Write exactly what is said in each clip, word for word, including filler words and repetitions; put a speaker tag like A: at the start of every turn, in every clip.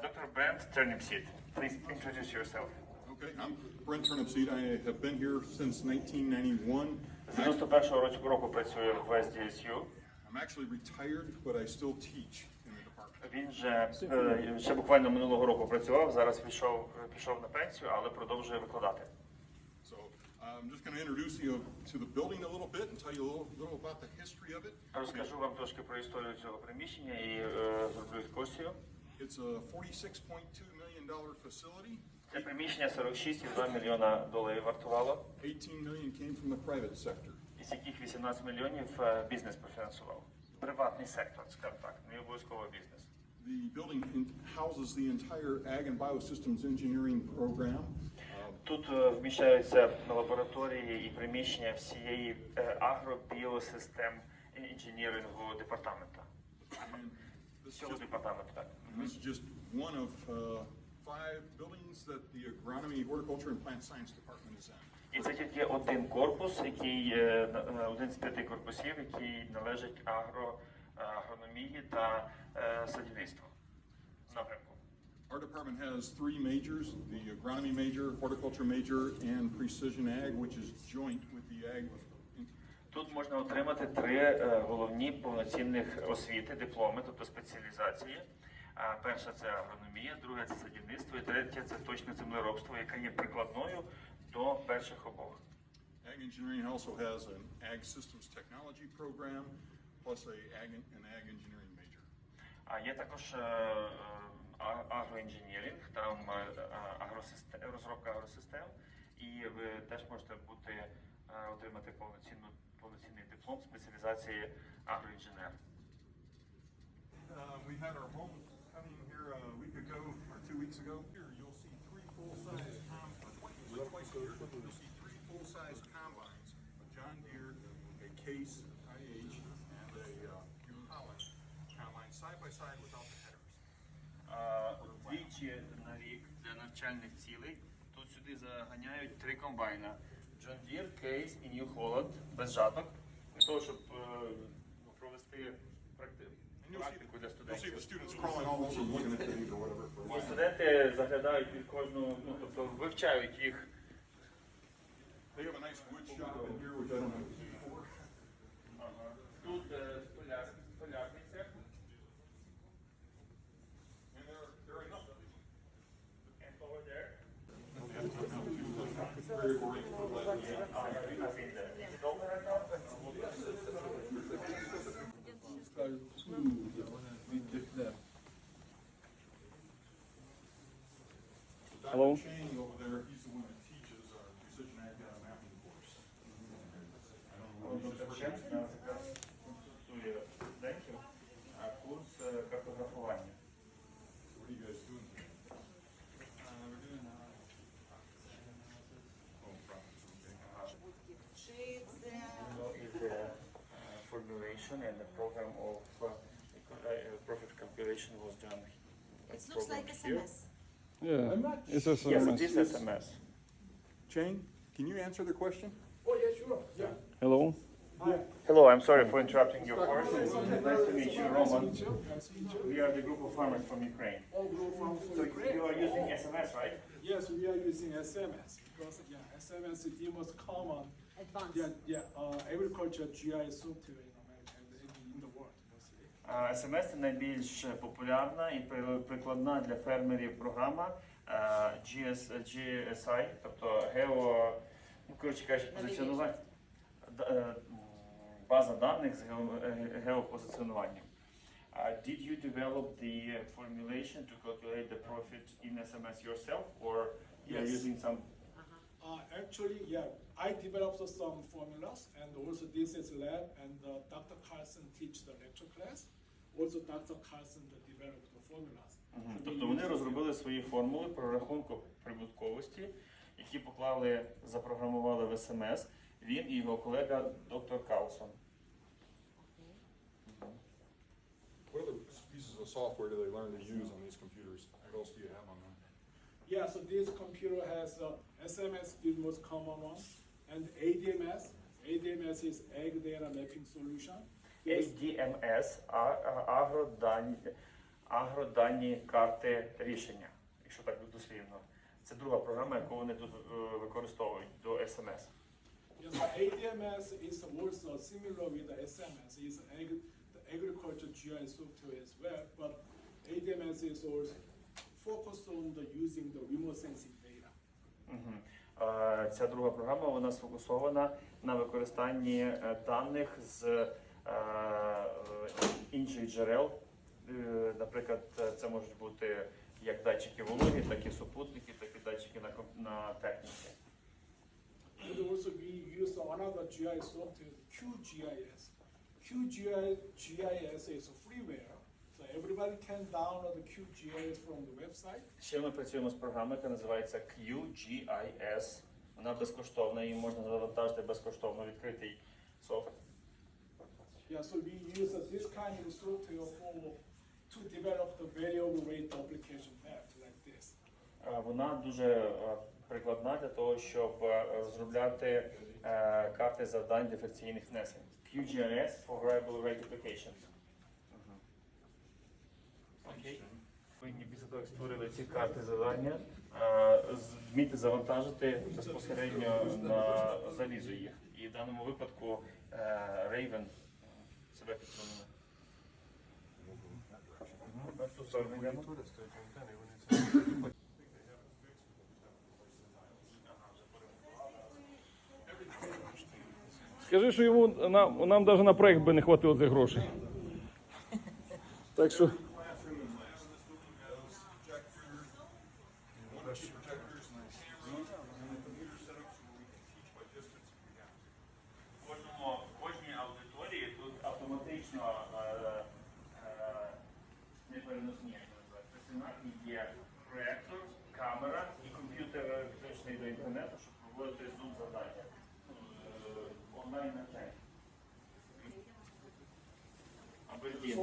A: Doctor Brent Turnipseed, please introduce yourself.
B: Okay, I'm Brent Turnipseed. I have been here since nineteen ninety-one.
A: З дев'яносто першого року року працює в ес ді ес ю.
B: I'm actually retired, but I still teach in the department.
A: Він же е, ще буквально минулого року працював, зараз пішов, пішов на пенсію, але продовжує викладати.
B: So I'm just going to introduce you to the building a little bit and tell you a little, little about the history of it.
A: Розкажу вам трошки про історію цього приміщення і е, зроблю екскурсію.
B: It's a forty-six point two million dollar facility.
A: Це приміщення сорок шість цілих два мільйона доларів вартувало,
B: eighteen million came from the private sector.
A: із яких вісімнадцять мільйонів е, бізнес профінансував. Приватний сектор, скажімо так, не обов'язково бізнес.
B: The building in- houses the entire Ag and Biosystems Engineering program. Uh,
A: Тут е, вміщаються лабораторії і приміщення всієї е, агробіосистем інженірингового департаменту.
B: and this is
A: Цього
B: just,
A: департаменту, так.
B: this is just one of uh, five buildings that the Agronomy, Horticulture, and Plant Science Department is in.
A: І це тільки один корпус, який е, на- е, один з п'яти корпусів, який належить агро, е, агрономії та е, садівництву напрямку.
B: Our department has three majors, the agronomy major, horticulture major, and precision ag, which is joint with the ag.
A: Тут можна отримати три е, головні повноцінних освіти, дипломи, тобто спеціалізації. А перша це агрономія, друга це садівництво, і третя це точне землеробство, яка є прикладною до перших обох.
B: Ag engineering also has an ag systems technology program, plus a ag, an ag engineering major.
A: А є також е, е, а- агроінженіринг, там е, а- агросистем, розробка агросистем, і ви теж можете бути, е, отримати повноцінну, повноцінний диплом спеціалізації агроінженер.
B: Uh, we had our homecoming here a week ago, or two weeks ago. Here, you'll see three full-size com, uh, twice, twice a year, you'll see three full-size combines, a John Deere, a Case I H, and a uh, Impala combine, side by side without the headers.
A: А, Двічі на рік для навчальних цілей тут сюди заганяють три комбайна. John Deere, Case і New Holland без жаток, для того, щоб е, ну, провести практи-
B: And you'll see,
A: практику для
B: you'll see the
A: студентів.
B: students crawling all over looking at things or whatever. for
A: І студенти заглядають під кожну, ну тобто вивчають їх.
B: They have a nice wood shop in here, which I don't have to see before.
A: Тут е, столяр- столярний цех.
B: And there, are- there are enough of these.
A: And over there.
B: Very oriented, glad we have.
A: Ah, yeah, I've been there. Is it open right now?
C: Hello.
B: Doctor Chang over there, he's the one that teaches our precision ag uh, mapping course. I don't know, he's just working.
A: Чесно, якраз консультує студентів, а курс е, картографування.
B: What are you guys doing today? Oh, profits, okay.
A: Is the uh, formulation and the program of uh, uh, profit calculation was done.
D: It looks like
A: program
D: S
A: here.
D: M S.
C: Yeah, it's a
A: Yes,
C: S M
A: it is
C: S.
A: S M S.
B: Chang, can you answer the question?
E: Oh, yeah, sure, yeah.
C: Hello.
A: Hello, I'm sorry for interrupting your course. It's nice to meet you, Roman.
E: Nice to meet you. Nice to meet you.
A: We are the group of farmers from Ukraine.
E: All group from
A: So
E: Ukraine.
A: you are using S M S, right?
E: Yes, we are using S M S because, yeah, S M S is the most common,
D: Advanced.
E: yeah, yeah, uh, agriculture G I software in America and in, in the world mostly.
A: А, ес ем ес – це найбільш популярна і при- прикладна для фермерів програма а, джі ес, джі ес ай, тобто гео, ну, коротше кажучи, позиціонування, д- е, м, база даних з гео- е, геопозиціонуванням. Uh, did you develop the formulation to calculate the profit in S M S yourself, or you are
E: Yes.
A: using some?
E: Uh, actually, yeah, I developed some formulas and also this is lab and uh, Doctor Carlson teach the lecture class. Also Doctor Carlson developed the formulas.
A: Мгм.
E: And
A: Тобто
E: we
A: вони
E: use-
A: розробили свої формули прорахунку прибутковості, які поклали, запрограмували в ес ем ес, він і його колега доктор Каусон.
B: What other pieces of software do they learn to use on these computers? What else do you have on them?
E: Yeah, so this computer has uh, S M S, the most common one, and A D M S. A D M S is Ag Data Mapping Solution.
A: ей ді ем ес, а- а- агродані, агроданні карти рішення, якщо так дослівно. Це друга програма, яку вони тут е, використовують до ес ем ес.
E: Yes, the A D M S is also similar with the S M S. It's ag- the agriculture G I software as well, but A D M S is also focused on the using the remote sensing data.
A: Мгм. Е, Ця друга програма вона сфокусована на використанні е, даних з е, е, інших джерел. Е, Наприклад, е, це можуть бути як датчики вологи, так і супутники, так і датчики на, ком- на техніці.
E: And also we use another G I software, Q G I S. Q G I S is a freeware, so everybody can download the Q G I S from the website.
A: Ще ми працюємо з програмою, яка називається кью джі ай ес. Вона безкоштовна, її можна завантажити безкоштовно, відкритий софт.
E: Yeah, so we use uh, this kind of software for to develop the variable rate application map like this.
A: Е, Вона дуже е, прикладна для того, щоб е, розробляти е, карти завдань диференційних внесень. кью джі ай ес for Variable Rate Applications. Мгм. Окей. Повинні після того, як створили ці карти завдання, е, з- вміти завантажити безпосередньо на залізо їх. І в даному випадку е, Raven е, себе підсунули. Мгм. На цю сторону йдемо.
C: Скажи, що йому нам, нам навіть на проект би не хватило цих грошей. Так що.
A: В кожному, в кожній аудиторії тут автоматично е, е, непереносні, як називають, стаціонарні є проектор, камера і комп'ютер підключений до інтернету, щоб проводити зум завдання. Е, онлайн навчання. Абердін.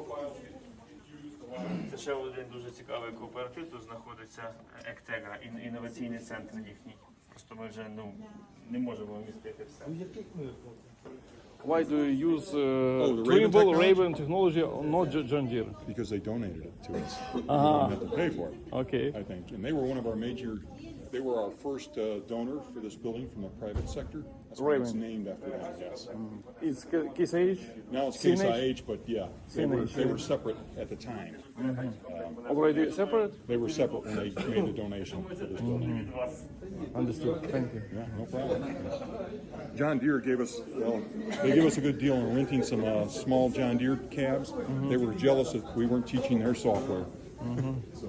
A: Це ще один дуже цікавий кооператив. Тут знаходиться Ектегра, ін- інноваційний центр їхній. Просто ми вже ну, не можемо вмістити все.
C: Why do you use uh,
D: Oh, the Raven
C: Trimble
D: technology?
C: Raven technology, not J- John Deere?
D: Because they donated it to us. We
C: Ah.
D: didn't have to pay for it,
C: Okay.
D: I think. And they were one of our major, they were our first uh, donor for this building from the private sector. That's why it's
C: Raven.
D: named after them, yes.
C: It's K- Case H?
D: Now it's
C: C N
D: Case
C: H?
D: I H, but yeah, they were,
C: C N H,
D: they
C: yeah.
D: were separate at the time.
C: Already separate?
D: They were separate when they made the donation for this building.
C: Understood. Thank you.
D: Yeah, no problem. John Deere gave us, well, they gave us a good deal on renting some uh, small John Deere cabs. They were jealous that we weren't teaching their software. So,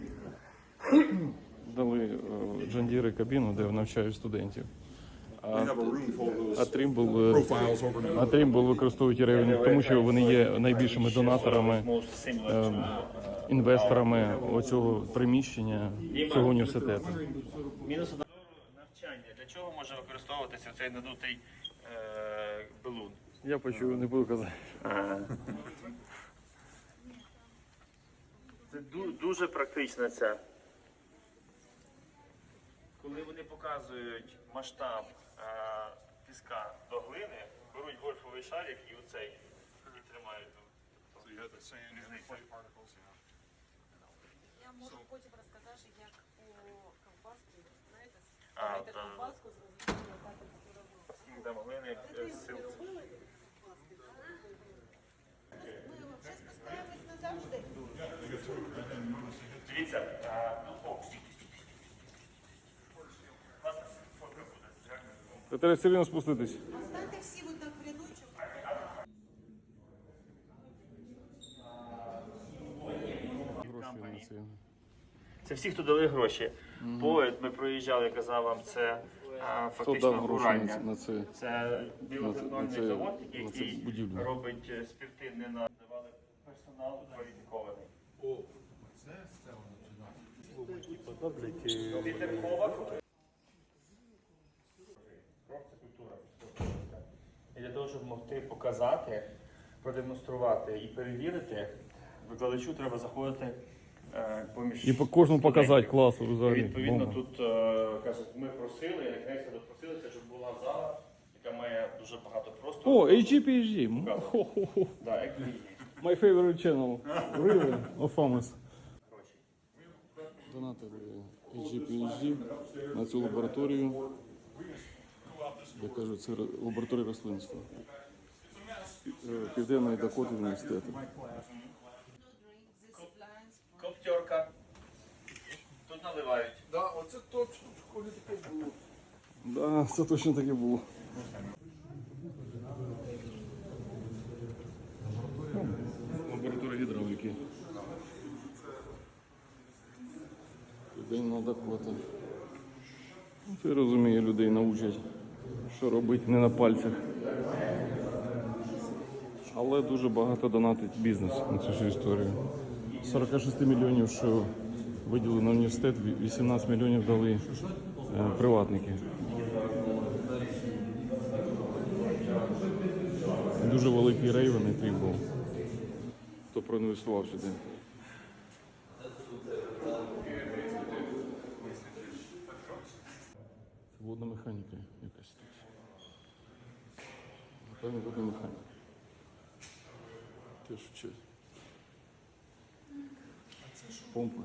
C: Дали е, John Deere кабіну, де навчають студентів.
D: we have a room full of
C: А
D: those
C: Trimble, е,
D: profiles over
C: а Trimble використовують Raven, тому що вони є найбільшими донаторами, е, інвесторами оцього приміщення цього університету.
A: Мінус одного навчання. Для чого може використовуватися цей надутий е, балун?
C: Я почув, не буду казати.
A: Це ду- дуже практично це. Коли вони показують масштаб е, піска до глини, беруть гольфовий шарик і оцей і тримають.
B: So you had the sand and the clay particles, yeah.
F: Я можу потім розказати, як по ковбасці, знаєте,
A: А,
F: ставити
A: да.
F: ковбаску, зрозуміти, яка температура.
A: Скільки там глини
F: Це
A: е,
F: ви
A: сил.
F: робили ковбаски? Ми взагалі постараємось назавжди.
A: Дивіться, е, ну, о, стійте, стійте. Класна фотка буде. Дякую.
C: Треба все рівно спуститись.
F: Станьте всі от так в рядочок.
C: Гроші на це.
A: Це всі, хто дали гроші. Поет, ми проїжджали, я казав вам, це а,
C: Хто
A: фактично
C: дав гроші на
A: бурання.
C: це- на це?
A: Це білоцеркольний
C: на це-
A: завод,
C: на це
A: який
C: будівлю?
A: робить е, спіртивне на давали персонал кваліфікований. Пітер Ковак. Кров це культура. І для того, щоб могти показати, продемонструвати і перевірити, викладачу треба заходити е, поміж
C: І по кожному показати
A: студентів.
C: класу
A: І
C: взагалі.
A: відповідно
C: Бомба.
A: тут е, кажуть, ми просили, і наконець допросилися, щоб була зала, яка має дуже багато простору.
C: О, Ейч Джі Пі Ейч Ді. М, хо-хо-хо.
A: Да, як і є.
C: My favorite channel. Really? Of Famas. Донатили ейч джі пі ейч ді на цю лабораторію. Я кажу, це лабораторія рослинства. Пі- Південної Дакоти університету.
A: Коптерка. Тут наливають.
E: Да, оце точно в школі таке було.
C: Да, це точно таке було. Лабораторія гідравліки. Південна Дакота. Ну, Це розуміє, людей научать, що робити не на пальцях. Але дуже багато донатить бізнес на цю всю історію. З сорок шість мільйонів, що виділили на університет, вісімнадцять мільйонів дали е, приватники. Дуже великий рейвен і тріп був, хто проінвестував сюди. Це водна механіка якась тут. Напевно, водна механіка. Теж вчать. Помпи.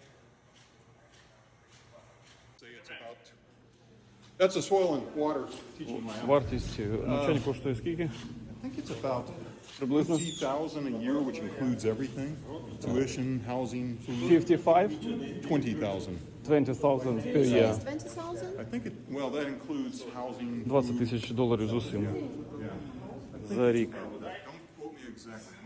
D: That's a soil and water teaching lab.
C: Вартість навчання коштує скільки?
D: I think it's about
C: Приблизно
D: fifty thousand a year, which includes everything: tuition, housing, food.
C: п'ятдесят п'ять
D: Twenty thousand.
C: двадцять тисяч per year.
G: twenty thousand?
D: I think it. Well, that includes housing.
C: двадцять тисяч доларів з усім за рік.
D: Don't quote me exactly.